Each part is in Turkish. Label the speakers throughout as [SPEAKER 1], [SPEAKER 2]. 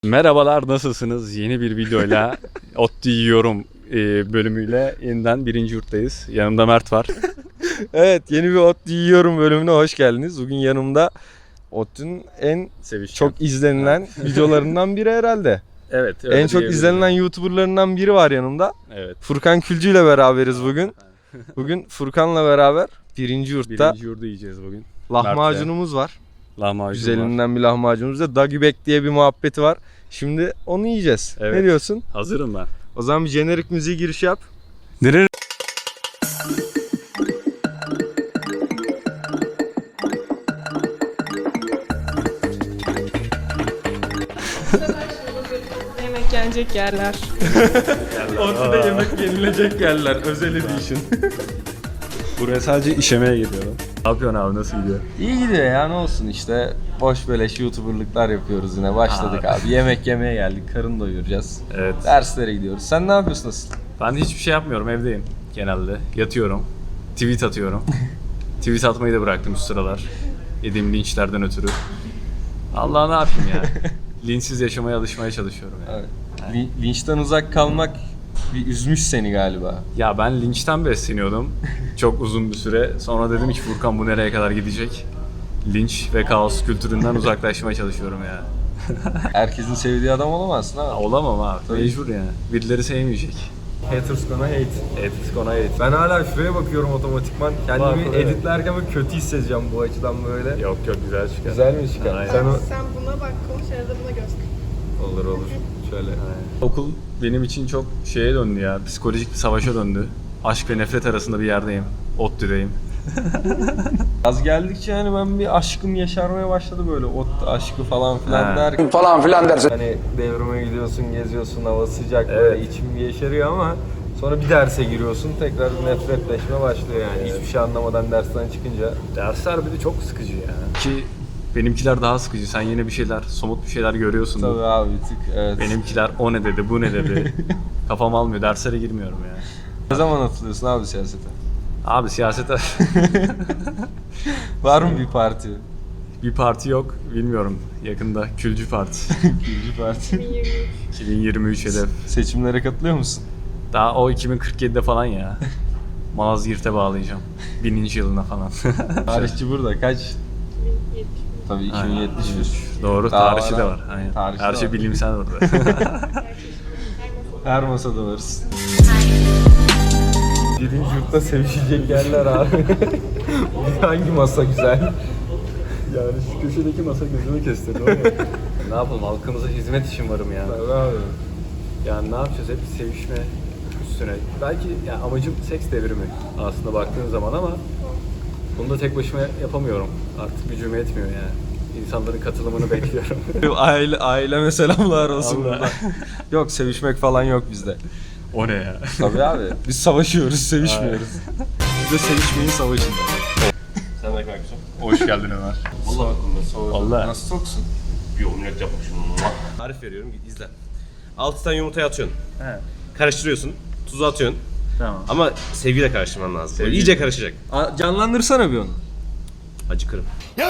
[SPEAKER 1] Merhabalar, nasılsınız? Yeni bir videoyla ODTÜ yiyorum bölümüyle yeniden birinci yurttayız. Yanımda Mert var.
[SPEAKER 2] Evet, yeni bir ODTÜ yiyorum bölümüne hoş geldiniz. Bugün yanımda ODTÜ'nün en çok izlenilen videolarından biri herhalde.
[SPEAKER 1] Evet.
[SPEAKER 2] En çok izlenilen YouTuber'larından biri var yanımda.
[SPEAKER 1] Evet.
[SPEAKER 2] Furkan Külcü ile beraberiz bugün. Bugün Furkan'la beraber birinci yurtta
[SPEAKER 1] Birinci yurdu yiyeceğiz bugün.
[SPEAKER 2] lahmacunumuz var.
[SPEAKER 1] Lahmacun
[SPEAKER 2] Güzelinden bir lahmacunumuz da Dagi Bek diye bir muhabbeti var. Şimdi onu yiyeceğiz.
[SPEAKER 1] Evet.
[SPEAKER 2] Ne diyorsun?
[SPEAKER 1] Hazırım ben.
[SPEAKER 2] O zaman bir jenerik müziği giriş yap.
[SPEAKER 1] Nereye?
[SPEAKER 3] Yemek yenecek yerler.
[SPEAKER 2] ODTÜ'de yemek yenilecek yerler. Özel edition.
[SPEAKER 1] Buraya sadece işemeye geliyorum. Ne yapıyorsun abi, nasıl gidiyor?
[SPEAKER 2] İyi gidiyor ya, ne olsun işte. Boş beleş YouTuber'lıklar yapıyoruz yine. Başladık abi. Yemek yemeye geldik. Karın doyuracağız.
[SPEAKER 1] Evet.
[SPEAKER 2] Derslere gidiyoruz. Sen ne yapıyorsun asıl?
[SPEAKER 1] Ben hiçbir şey yapmıyorum, evdeyim genelde. Yatıyorum. Tweet atıyorum. Tweet atmayı da bıraktım şu sıralar. Yediğim linçlerden ötürü. Allah ne yapayım ya. Linçsiz yaşamaya alışmaya çalışıyorum yani.
[SPEAKER 2] Evet. Linçten uzak kalmak bir üzmüş seni galiba.
[SPEAKER 1] Ya ben linçten besleniyordum çok uzun bir süre. Sonra dedim ki Furkan bu nereye kadar gidecek? Linç ve kaos kültüründen uzaklaşmaya çalışıyorum ya.
[SPEAKER 2] Herkesin sevdiği adam olamazsın ha.
[SPEAKER 1] Olamam abi.
[SPEAKER 2] Tabii.
[SPEAKER 1] Mecbur yani. Birileri sevmeyecek.
[SPEAKER 2] Haters gonna hate.
[SPEAKER 1] Ethics gonna hate.
[SPEAKER 2] Ben hala şuraya bakıyorum otomatikman. Kendimi
[SPEAKER 1] Bak, evet.
[SPEAKER 2] editlerken böyle kötü hissedeceğim bu açıdan böyle.
[SPEAKER 1] Yok güzel çıkar.
[SPEAKER 2] Güzel mi çıkar?
[SPEAKER 1] Aynen.
[SPEAKER 3] Sen buna bak, konuş arada buna göz kır.
[SPEAKER 2] Olur olur. Şöyle.
[SPEAKER 1] Okul benim için çok şeye döndü ya. Psikolojik bir savaşa döndü. Aşk ve nefret arasında bir yerdeyim. ODTÜ'deyim.
[SPEAKER 2] Az geldikçe hani ben bir aşkım yaşarmaya başladı böyle ODTÜ aşkı falan filan
[SPEAKER 1] He.
[SPEAKER 2] derken.
[SPEAKER 4] falan filan dersin.
[SPEAKER 2] Hani devrime gidiyorsun, geziyorsun, hava sıcak
[SPEAKER 1] Evet.
[SPEAKER 2] böyle içim bir yeşeriyor ama sonra bir derse giriyorsun tekrar bir nefretleşme başlıyor yani.
[SPEAKER 1] Evet.
[SPEAKER 2] Hiçbir şey anlamadan dersten çıkınca.
[SPEAKER 1] Dersler bir de çok sıkıcı ya. Ki benimkiler daha sıkıcı. Sen yine bir şeyler, somut bir şeyler görüyorsun.
[SPEAKER 2] Tabii abi bir tık evet.
[SPEAKER 1] Benimkiler o ne dedi, bu ne dedi. Kafam almıyor. Derslere girmiyorum ya.
[SPEAKER 2] Ne zaman atılıyorsun abi siyasete?
[SPEAKER 1] Abi siyasete
[SPEAKER 2] Var mı bir parti?
[SPEAKER 1] bir parti yok. Bilmiyorum. Yakında Külcü Parti.
[SPEAKER 2] Külcü parti.
[SPEAKER 3] 2023.
[SPEAKER 1] 2023 hedef.
[SPEAKER 2] Seçimlere katılıyor musun?
[SPEAKER 1] Daha o 2047'de falan ya. Malazgirt'e bağlayacağım. 1000. yılına falan.
[SPEAKER 2] Tarihçi burada kaç?
[SPEAKER 3] 2070.
[SPEAKER 2] Tabii
[SPEAKER 1] Aynen.
[SPEAKER 2] 2071.
[SPEAKER 1] Doğru.
[SPEAKER 2] Daha
[SPEAKER 1] Tarihçi
[SPEAKER 2] var
[SPEAKER 1] de
[SPEAKER 2] abi.
[SPEAKER 1] var. Aynen.
[SPEAKER 2] Tarihçi
[SPEAKER 1] Her
[SPEAKER 2] de
[SPEAKER 1] şey
[SPEAKER 2] var.
[SPEAKER 1] bilimsel orada.
[SPEAKER 2] Her masada varız. Birinci yurtta sevişecek yerler abi. Hangi masa güzel?
[SPEAKER 1] Yani şu köşedeki masa gözümü kestirdi ama. Ne yapalım, halkımıza hizmet için varım ya.
[SPEAKER 2] Tabii abi.
[SPEAKER 1] Yani ne yapacağız, hep sevişme üstüne. Belki yani amacım seks devrimi aslında baktığın zaman ama bunu da tek başıma yapamıyorum. Artık gücüm yetmiyor yani. İnsanların katılımını bekliyorum.
[SPEAKER 2] Aileme selamlar olsun
[SPEAKER 1] Allah.
[SPEAKER 2] burada. Yok sevişmek falan yok bizde.
[SPEAKER 1] O ne ya?
[SPEAKER 2] Tabii abi. Biz savaşıyoruz, sevişmiyoruz. Biz de sevişmeyin savaşında.
[SPEAKER 5] Sen de kanka.
[SPEAKER 1] Hoş geldin Ömer.
[SPEAKER 5] Vallahi aklımda soğudu.
[SPEAKER 1] Vallahi.
[SPEAKER 2] Nasıl toksun?
[SPEAKER 5] Bir omlet yapmışım. Tarif veriyorum, git izle. 6 tane yumurtayı atıyorsun.
[SPEAKER 1] He.
[SPEAKER 5] Karıştırıyorsun. Tuzu atıyorsun.
[SPEAKER 1] Tamam.
[SPEAKER 5] Ama sevgiyle karıştırman lazım. Böyle
[SPEAKER 1] Sevgi.
[SPEAKER 5] iyice karışacak.
[SPEAKER 2] Canlandırsana bir onu.
[SPEAKER 5] Acıkırım.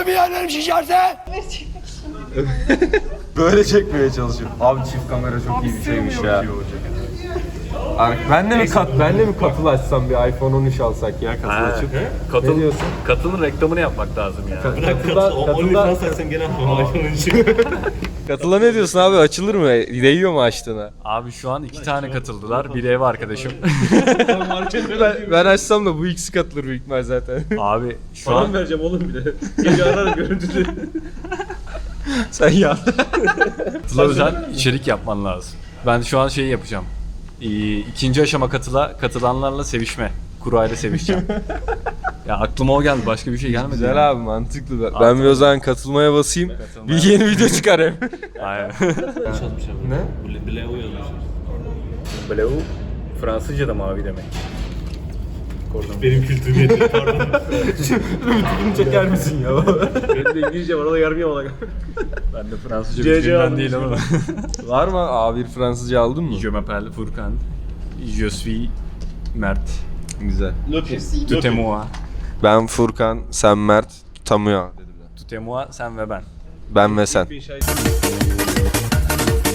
[SPEAKER 2] Böyle çekmeye çalışıyorum. Abi çift kamera çok iyi bir şeymiş ya. Ben de mi katıl açsam bir iPhone 13 alsak ya katıl açıp. Ne diyorsun?
[SPEAKER 1] Katılın reklamını yapmak lazım ya.
[SPEAKER 5] Sen gene iPhone'un için.
[SPEAKER 2] Katıla ne diyorsun abi, açılır mı? Değiyor mu açtığına?
[SPEAKER 1] Abi şu an 2 tane katıldılar. Biri ev arkadaşım.
[SPEAKER 2] Ben açsam da bu ikisi katılır büyük ihtimal zaten.
[SPEAKER 1] Abi şu an
[SPEAKER 5] vereceğim oğlum bir de. Gece ararım görüntülü.
[SPEAKER 2] Sen ya.
[SPEAKER 1] katıla özel içerik yapman lazım. Ben şu an şeyi yapacağım. İkinci aşama katılanlarla sevişme. Kurayla sevişeceğim. Ya aklıma o geldi. Başka bir şey gelmedi.
[SPEAKER 2] Güzel
[SPEAKER 1] yani.
[SPEAKER 2] abi, mantıklı. Ben bir o zaman katılmaya basayım. Bir yeni video çıkar hem.
[SPEAKER 1] Aynen.
[SPEAKER 2] Ne?
[SPEAKER 5] Bleu yazmışım.
[SPEAKER 1] Bleu Fransızca'da mavi demek.
[SPEAKER 5] Benim kültürüm yeter, pardon.
[SPEAKER 2] Bunu çeker misin ya?
[SPEAKER 5] Benim de İngilizce var, o da yarmıyor ona.
[SPEAKER 1] Ben de Fransızca
[SPEAKER 5] CC
[SPEAKER 1] bildiğimden
[SPEAKER 5] aldım
[SPEAKER 1] değil ama.
[SPEAKER 2] Var mı? A1 Fransızca aldın mı?
[SPEAKER 1] Je m'appelle Furkan. Je suis Mert.
[SPEAKER 2] Güzel.
[SPEAKER 1] Tout est moi.
[SPEAKER 2] Ben Furkan, sen Mert, Tamuya.
[SPEAKER 1] Tout est moi, sen ve ben.
[SPEAKER 2] Ben ve sen.
[SPEAKER 5] Bir şey-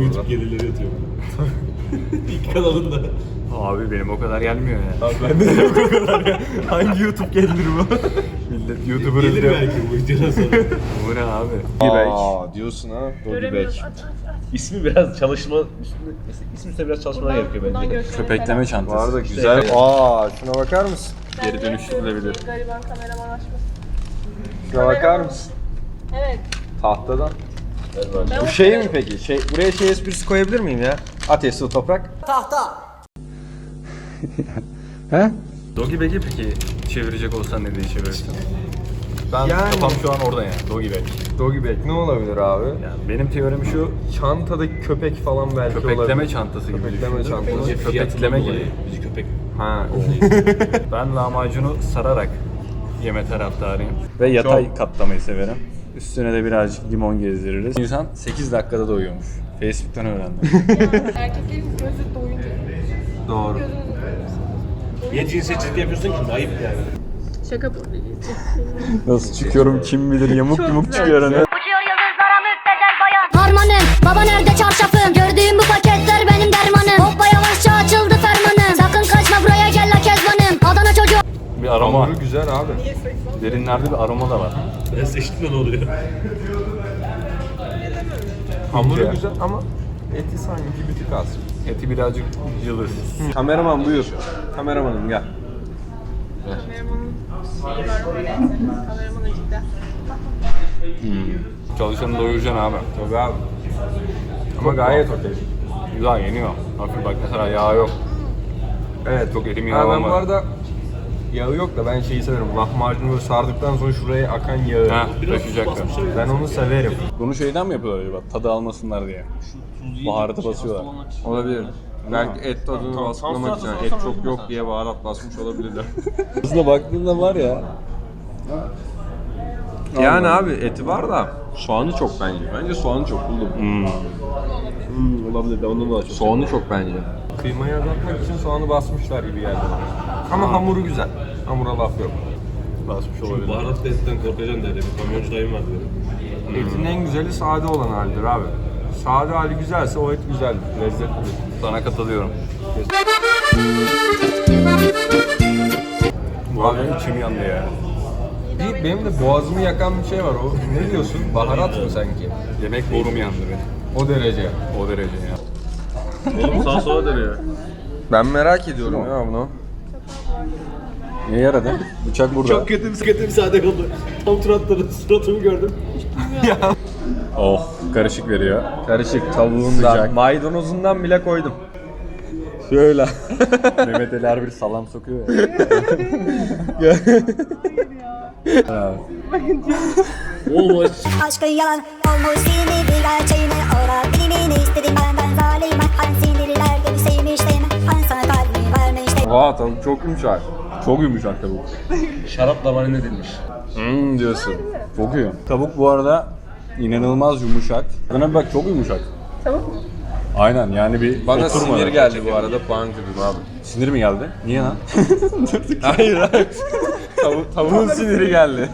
[SPEAKER 5] YouTube gelirleri yatıyor. İlk kanalında.
[SPEAKER 1] Abi benim o kadar gelmiyor ya.
[SPEAKER 2] Abi bende de yok o kadar ya. Hangi YouTube gelir bu?
[SPEAKER 1] Millet YouTuber
[SPEAKER 5] Gelir
[SPEAKER 1] izliyor.
[SPEAKER 5] belki bu videodan sonra.
[SPEAKER 1] Bu ne abi?
[SPEAKER 2] Aa diyorsun ha. Doggy
[SPEAKER 3] Göremiyoruz.
[SPEAKER 2] bag.
[SPEAKER 3] Aç aç aç.
[SPEAKER 5] İsmi biraz çalışma, ismi üstüne biraz çalışmalar gerekiyor
[SPEAKER 3] Buradan
[SPEAKER 5] bence.
[SPEAKER 3] göstereyim.
[SPEAKER 1] Köpekleme
[SPEAKER 2] Bu
[SPEAKER 1] çantası.
[SPEAKER 2] arada güzel. Aa şuna bakar mısın?
[SPEAKER 1] Geri dönüştürülebilir.
[SPEAKER 3] Gariban kameraman açması.
[SPEAKER 2] Şuna bakar mısın?
[SPEAKER 3] Evet.
[SPEAKER 2] Tahtadan.
[SPEAKER 3] Ben
[SPEAKER 2] Bu şey mi peki? Buraya şey esprisi koyabilir miyim ya? Ateş, su, toprak.
[SPEAKER 1] Doggy bag'i peki çevirecek olsan ne diye çevirirsin? Ben
[SPEAKER 2] Yani-
[SPEAKER 1] kafam şu an orada yani. Doggy bag.
[SPEAKER 2] Doggy bag ne olabilir abi?
[SPEAKER 1] Yani benim teorim şu,
[SPEAKER 2] Çantadaki köpek falan belki
[SPEAKER 1] köpekleme
[SPEAKER 2] olabilir.
[SPEAKER 1] çantası gibi
[SPEAKER 2] Köpekleme
[SPEAKER 1] düşündüm.
[SPEAKER 2] çantası.
[SPEAKER 1] Bence köpekleme gibi.
[SPEAKER 5] Bizi köpek.
[SPEAKER 2] Ha.
[SPEAKER 1] Ben lahmacunu sararak yeme taraftarıyım. Ve yatay katlamayı severim. Üstüne de birazcık limon gezdiririz. İnsan 8 dakikada doyuyormuş. Facebook'tan öğrendim.
[SPEAKER 3] erkeklerin gözü doyunca.
[SPEAKER 2] Doğru.
[SPEAKER 3] Gözünüzü doyurursunuz.
[SPEAKER 5] Niye cinsiyetçilik yapıyorsun ki? Ayıp yani.
[SPEAKER 3] Şaka bu.
[SPEAKER 1] Nasıl çıkıyorum kim bilir yamuk
[SPEAKER 3] Çok
[SPEAKER 1] yumuk
[SPEAKER 3] güzel.
[SPEAKER 1] çıkıyor hani.
[SPEAKER 4] Uçuyor yıldızlara müptezel bayan. Harmanım, baba nerede çarşafım? Gördüğüm bu paketler benim dermanım. Hoppa yavaşça açıldı fermanım. Sakın kaçma buraya gel la kezbanım. Adana çocuğu.
[SPEAKER 1] Bir aroma.
[SPEAKER 2] Hamuru güzel abi.
[SPEAKER 1] Derinlerde bir aroma da var.
[SPEAKER 5] Ben seçtim de ne oluyor?
[SPEAKER 2] Hamuru
[SPEAKER 1] Ya.
[SPEAKER 2] güzel ama eti sanki bir tık az.
[SPEAKER 1] Eti birazcık cılız.
[SPEAKER 2] Kameraman buyur. Kameramanım gel.
[SPEAKER 3] Kameramanın şeyi var böyle. Kameraman acıkta.
[SPEAKER 1] Çalışanı doyuracaksın abi.
[SPEAKER 2] Tabii abi. Ama gayet okey.
[SPEAKER 1] Güzel yeniyor. Hafif bak mesela yağ yok.
[SPEAKER 2] Evet.
[SPEAKER 1] Çok elim
[SPEAKER 2] Ha,
[SPEAKER 1] yağı
[SPEAKER 2] ben
[SPEAKER 1] olmadı.
[SPEAKER 2] bu arada yağı yok da ben şeyi severim. Lahmacunu böyle sardıktan sonra şuraya akan yağı.
[SPEAKER 1] Ha, taşıyacaklar.
[SPEAKER 2] Ben onu severim.
[SPEAKER 1] Bunu şeyden mi yapıyorlar acaba? Tadı almasınlar diye. Baharatı basıyorlar.
[SPEAKER 2] Olabilir. Belki et tadını baskılamak için. Et çok yok diye baharat basmış olabilirler.
[SPEAKER 1] Aslında baktığında var ya.
[SPEAKER 2] Yani abi eti var da soğanı çok bence. Bence soğanı çok buldum.
[SPEAKER 5] Olabilir. Ben ondan daha çok.
[SPEAKER 2] Soğanı çok bence. Kıymayı azaltmak için soğanı basmışlar gibi geldi bana. Ama hamuru güzel. Hamura laf yok.
[SPEAKER 1] Basmış olabilir.
[SPEAKER 5] Baharat lezzetinden korkacaksın derdi. Bir kamyoncu dayım vardı benim.
[SPEAKER 2] Etin en güzeli sade olan halidir abi. Sade hali güzelse o et güzeldir, lezzetlidir.
[SPEAKER 1] Sana katılıyorum. Bu
[SPEAKER 2] Abi,
[SPEAKER 1] arada içim yandı ya.
[SPEAKER 2] benim de boğazımı yakan bir şey var. O ne diyorsun? Baharat mı sanki?
[SPEAKER 1] Yemek borum yandı benim.
[SPEAKER 2] O derece.
[SPEAKER 1] O derece ya.
[SPEAKER 5] Oğlum sağa sola dönüyor.
[SPEAKER 2] Ben merak ediyorum ya bunu.
[SPEAKER 1] Niye yaradı? Bıçak burada.
[SPEAKER 5] Çok kötü bir sade oldu. Tam tur atladı. Suratımı gördüm.
[SPEAKER 1] Oh, karışık veriyor.
[SPEAKER 2] Karışık tavuğundan,
[SPEAKER 1] Sıcak.
[SPEAKER 2] maydanozundan bile koydum.
[SPEAKER 1] Şöyle. Mehmet Ali her bir salam sokuyor ya.
[SPEAKER 5] Olmuş.
[SPEAKER 4] Aşkın yalan olmuş seni bir gerçeğini ora bilimini istedim benden zalim. Hani sinirliler gibi sevmiştim. Hani sana kalbimi vermiştim.
[SPEAKER 2] Vaa tavuk çok yumuşak.
[SPEAKER 1] Çok yumuşak tavuk.
[SPEAKER 5] Şarapla marine edilmiş.
[SPEAKER 2] Diyorsun.
[SPEAKER 1] Çok iyi. Tavuk bu arada inanılmaz yumuşak. Buna bir bak çok yumuşak.
[SPEAKER 3] Tavuk mu?
[SPEAKER 1] Aynen yani bir
[SPEAKER 2] Bana
[SPEAKER 1] oturmadı.
[SPEAKER 2] sinir geldi bu arada puan kırdım abi.
[SPEAKER 1] Sinir mi geldi? Niye lan?
[SPEAKER 2] Hayır hayır. Tavuğun siniri geldi.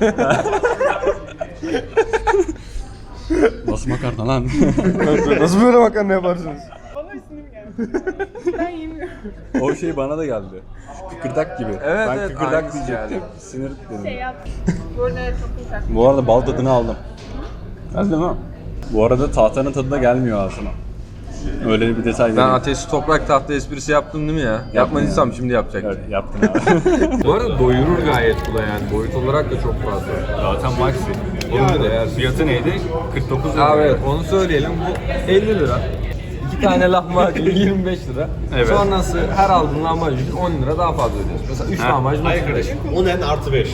[SPEAKER 1] Nasıl makarna lan?
[SPEAKER 2] Nasıl böyle makarna yaparsınız?
[SPEAKER 3] Bana isim geldi. Ben yemiyorum.
[SPEAKER 1] O şey bana da geldi. Kıkırdak gibi.
[SPEAKER 2] Evet,
[SPEAKER 1] ben
[SPEAKER 2] evet,
[SPEAKER 1] kıkırdak
[SPEAKER 2] aynısı
[SPEAKER 1] diyecektim.
[SPEAKER 2] geldi.
[SPEAKER 1] Sinir dedim.
[SPEAKER 3] Şey yap. Bu arada evet, çok yumuşak.
[SPEAKER 1] Bu arada bal tadını aldım. Geldi mi? Bu arada tahtanın tadı da gelmiyor ağzıma. Öyle bir detay
[SPEAKER 2] Ben
[SPEAKER 1] değil.
[SPEAKER 2] ateşli toprak tahta esprisi yaptım değil mi ya? Yapmadıysam şimdi yapacaktım.
[SPEAKER 1] Evet, yaptın abi.
[SPEAKER 2] Bu arada doyurur gayet bu da yani. Boyut olarak da çok fazla.
[SPEAKER 1] Zaten maxi.
[SPEAKER 2] Yani değer.
[SPEAKER 1] Fiyatı neydi? 49 lira.
[SPEAKER 2] Abi evet onu söyleyelim. Bu 50 lira. 2 tane lahmacun 25 lira.
[SPEAKER 1] Evet.
[SPEAKER 2] Sonrası her aldığın lahmacun 10 lira daha fazla ödüyorsun. Mesela 3 lahmacun
[SPEAKER 5] Hayır
[SPEAKER 2] 35.
[SPEAKER 5] kardeşim. 10 en artı 5.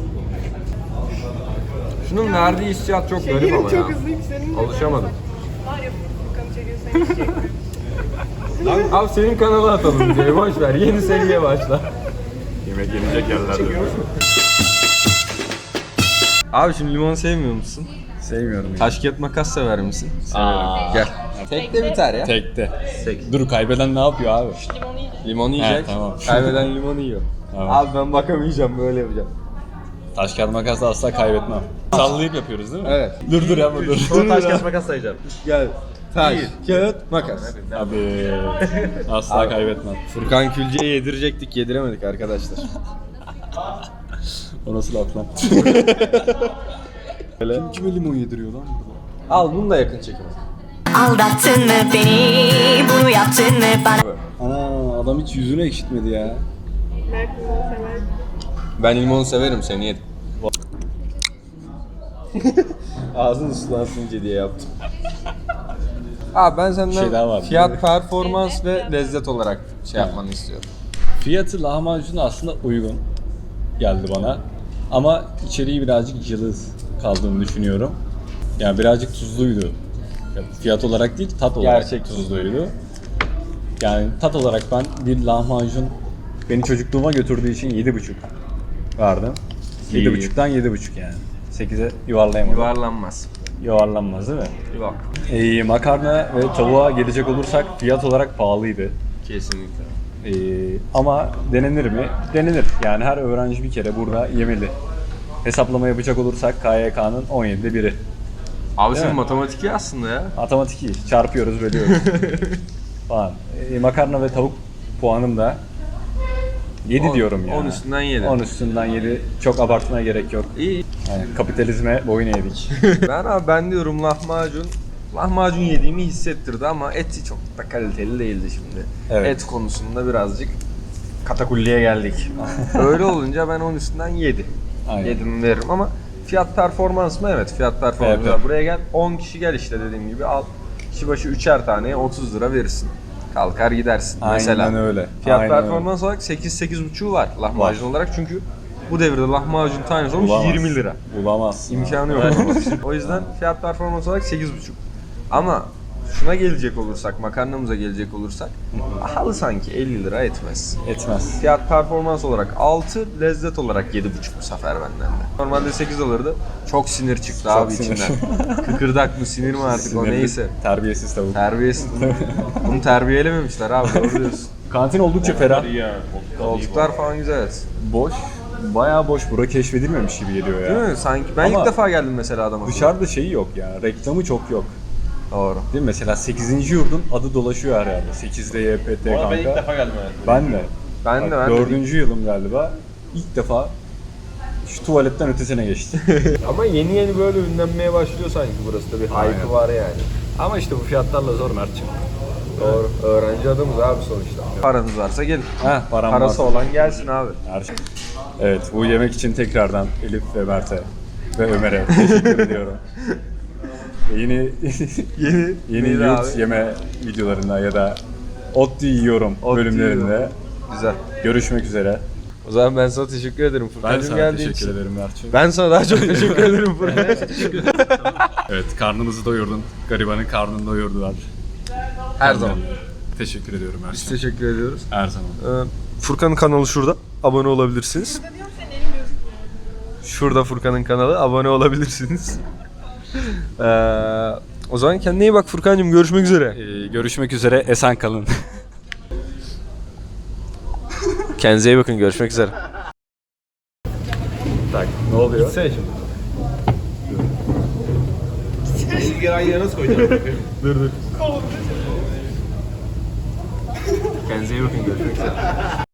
[SPEAKER 2] Şunun verdiği hissiyat çok garip ama ya.
[SPEAKER 3] Çok hızlı yükselim.
[SPEAKER 2] Alışamadım.
[SPEAKER 3] Var ya Furkan'ı çekiyorsan hiç çekmiyorum.
[SPEAKER 2] Abi senin kanala atalım videoyu boş ver. Yeni seriye başla.
[SPEAKER 1] Yemek yenecek yerlerde.
[SPEAKER 2] Abi şimdi limon sevmiyor musun?
[SPEAKER 1] Sevmiyorum.
[SPEAKER 2] Taş kağıt makas sever misin? Gel. Tek de biter ya.
[SPEAKER 1] Tekte. Dur kaybeden ne yapıyor abi?
[SPEAKER 3] Limonu yiyeceğim.
[SPEAKER 2] Limonu yiyecek.
[SPEAKER 1] tamam.
[SPEAKER 2] Kaybeden limonu yiyor.
[SPEAKER 1] Tamam.
[SPEAKER 2] Abi ben bakamayacağım böyle yapacağım.
[SPEAKER 1] Taş kağıt makasla asla kaybetmem. Sallayıp yapıyoruz değil mi?
[SPEAKER 2] Evet.
[SPEAKER 1] Dur yapma dur.
[SPEAKER 5] Sonra taş kes makas sayacağım.
[SPEAKER 2] Gel. taş, kağıt, makas.
[SPEAKER 1] Abi asla kaybetmem.
[SPEAKER 2] Furkan Külce'ye yedirecektik, yediremedik arkadaşlar.
[SPEAKER 1] O nasıl laf lan? Kime limon yediriyor lan burada?
[SPEAKER 2] Al bunu da yakın çekim.
[SPEAKER 6] Aldattın mı beni, bunu yaptın mı bana?
[SPEAKER 1] Ana adam hiç yüzünü ekşitmedi ya.
[SPEAKER 3] Mert limon sever.
[SPEAKER 2] Ben limonu severim, seni yedim. Ağzın ıslansınca diye yaptım. Abi ben
[SPEAKER 1] şey daha
[SPEAKER 2] senden
[SPEAKER 1] var.
[SPEAKER 2] fiyat, performans ve lezzet olarak şey yapmanı istiyorum.
[SPEAKER 1] Fiyatı lahmacuna aslında uygun geldi bana. Ama içeriği birazcık cılız kaldığını düşünüyorum. Yani birazcık tuzluydu. Ya fiyat olarak değil, tat olarak
[SPEAKER 2] Gerçek
[SPEAKER 1] tuzluydu. Yani tat olarak ben bir lahmacun beni çocukluğuma götürdüğü için 7,5 verdim.
[SPEAKER 2] İyi.
[SPEAKER 1] 7,5'tan 7,5 yani. 8'e yuvarlayamadım.
[SPEAKER 2] Yuvarlanmaz.
[SPEAKER 1] Yuvarlanmaz değil mi?
[SPEAKER 2] Yok.
[SPEAKER 1] Makarna ve tavuğa gelecek olursak fiyat olarak pahalıydı.
[SPEAKER 2] Kesinlikle.
[SPEAKER 1] Ama denenir mi? Denenir. Yani her öğrenci bir kere burada yemeli. Hesaplama yapacak olursak KYK'nın 17'de biri.
[SPEAKER 2] Abi
[SPEAKER 1] Değil
[SPEAKER 2] senin
[SPEAKER 1] mi?
[SPEAKER 2] matematik iyi aslında ya.
[SPEAKER 1] Matematik iyi. Çarpıyoruz, bölüyoruz falan. Makarna ve tavuk puanım da 7 diyorum yani.
[SPEAKER 2] 10 üstünden 7.
[SPEAKER 1] 10 üstünden 7. Çok abartmaya gerek yok.
[SPEAKER 2] İyi.
[SPEAKER 1] Yani kapitalizme boyun eğdik.
[SPEAKER 2] Ben diyorum lahmacun. Lahmacun yediğimi hissettirdi ama eti çok da kaliteli değildi şimdi.
[SPEAKER 1] Evet.
[SPEAKER 2] Et konusunda birazcık katakulliye geldik. Öyle olunca ben 10 üstünden 7.
[SPEAKER 1] Aynen.
[SPEAKER 2] 7'mi veririm ama fiyat performans mı? Evet, fiyat performans.
[SPEAKER 1] Evet.
[SPEAKER 2] Buraya gel 10 kişi gel işte dediğim gibi al. Kişi başı 3'er taneye 30 lira verirsin. Kalkar gidersin mesela.
[SPEAKER 1] Aynen öyle.
[SPEAKER 2] Fiyat
[SPEAKER 1] Aynen
[SPEAKER 2] performans olarak 8-8,5'u var lahmacun olarak çünkü bu devirde lahmacun tanesi olmuş
[SPEAKER 1] Bulamaz.
[SPEAKER 2] 20 lira.
[SPEAKER 1] Bulamaz.
[SPEAKER 2] İmkanı yok. O yüzden fiyat performans olarak 8,5. Ama şuna gelecek olursak, makarnamıza gelecek olursak pahalı sanki 50 lira etmez.
[SPEAKER 1] Etmez.
[SPEAKER 2] Fiyat performans olarak 6, lezzet olarak 7,5 bu sefer benden de. Normalde 8 alırdı. Çok sinir çıktı
[SPEAKER 1] Çok
[SPEAKER 2] abi
[SPEAKER 1] sinir.
[SPEAKER 2] içinden. Kıkırdak mı sinir mi artık o
[SPEAKER 1] Sinirli,
[SPEAKER 2] neyse.
[SPEAKER 1] Terbiyesiz tavuk.
[SPEAKER 2] Terbiyesiz. Bunu terbiyelememişler abi, doğru diyorsun.
[SPEAKER 1] Kantin oldukça ferah.
[SPEAKER 2] Koltuklar falan güzel.
[SPEAKER 1] Boş. Bayağı boş. Bura keşfedilmemiş gibi geliyor ya.
[SPEAKER 2] Değil mi? Sanki ben
[SPEAKER 1] Ama
[SPEAKER 2] ilk defa geldim mesela adama.
[SPEAKER 1] Dışarıda şeyi yok ya. Reklamı çok yok.
[SPEAKER 2] Doğru.
[SPEAKER 1] Değil mi? Mesela 8. yurdun adı dolaşıyor her yerde. 8'de YPT kanka.
[SPEAKER 5] Ben ilk defa geldim hayatımda.
[SPEAKER 1] Ben de.
[SPEAKER 2] Ben de
[SPEAKER 1] Bak,
[SPEAKER 2] ben de.
[SPEAKER 1] 4. yılım galiba. İlk defa şu tuvaletten ötesine geçti.
[SPEAKER 2] Ama yeni yeni böyle ünlenmeye başlıyor sanki burası da bir hype'ı var yani.
[SPEAKER 1] Ama işte bu fiyatlarla zor Mert'ciğim.
[SPEAKER 2] Doğru. Öğrenci adamız abi sonuçta. Paranız varsa gelin.
[SPEAKER 1] Heh, param
[SPEAKER 2] Parası
[SPEAKER 1] varsa.
[SPEAKER 2] olan gelsin abi.
[SPEAKER 1] Her şey. Evet, bu yemek için tekrardan Elif ve Mert'e ve Ömer'e teşekkür ediyorum. Yeni
[SPEAKER 2] Neydi
[SPEAKER 1] yurt
[SPEAKER 2] abi?
[SPEAKER 1] yeme videolarında ya da ot yiyorum
[SPEAKER 2] Ot
[SPEAKER 1] bölümlerinde
[SPEAKER 2] yiyorum. Güzel.
[SPEAKER 1] görüşmek üzere.
[SPEAKER 2] O zaman ben sana teşekkür ederim
[SPEAKER 1] Ben
[SPEAKER 2] Furkan'cığım
[SPEAKER 1] sana
[SPEAKER 2] geldiğin
[SPEAKER 1] teşekkür
[SPEAKER 2] için.
[SPEAKER 1] ederim Mert'ciğim.
[SPEAKER 2] Ben sana daha çok teşekkür ederim Furkan.
[SPEAKER 1] Evet, karnımızı doyurdun. Garibanın karnını doyurdular.
[SPEAKER 2] Her zaman.
[SPEAKER 1] Teşekkür ediyorum
[SPEAKER 2] Biz
[SPEAKER 1] Mert'ciğim.
[SPEAKER 2] teşekkür ediyoruz.
[SPEAKER 1] Her zaman.
[SPEAKER 2] Furkan'ın kanalı şurada. Abone olabilirsiniz.
[SPEAKER 3] Burada diyorum senin elin gözükmüyor.
[SPEAKER 2] Şurada Furkan'ın kanalı. Abone olabilirsiniz. O zaman kendine iyi bak Furkan'cığım. Görüşmek üzere.
[SPEAKER 1] Görüşmek üzere. Esen kalın.
[SPEAKER 2] Kendinize iyi bakın. Görüşmek üzere.
[SPEAKER 1] Tak, ne oluyor?
[SPEAKER 2] Gitsene şimdi.
[SPEAKER 5] Bilgileri aynı yere nasıl koyacaksın?
[SPEAKER 2] Kendinize iyi bakın. Görüşmek üzere.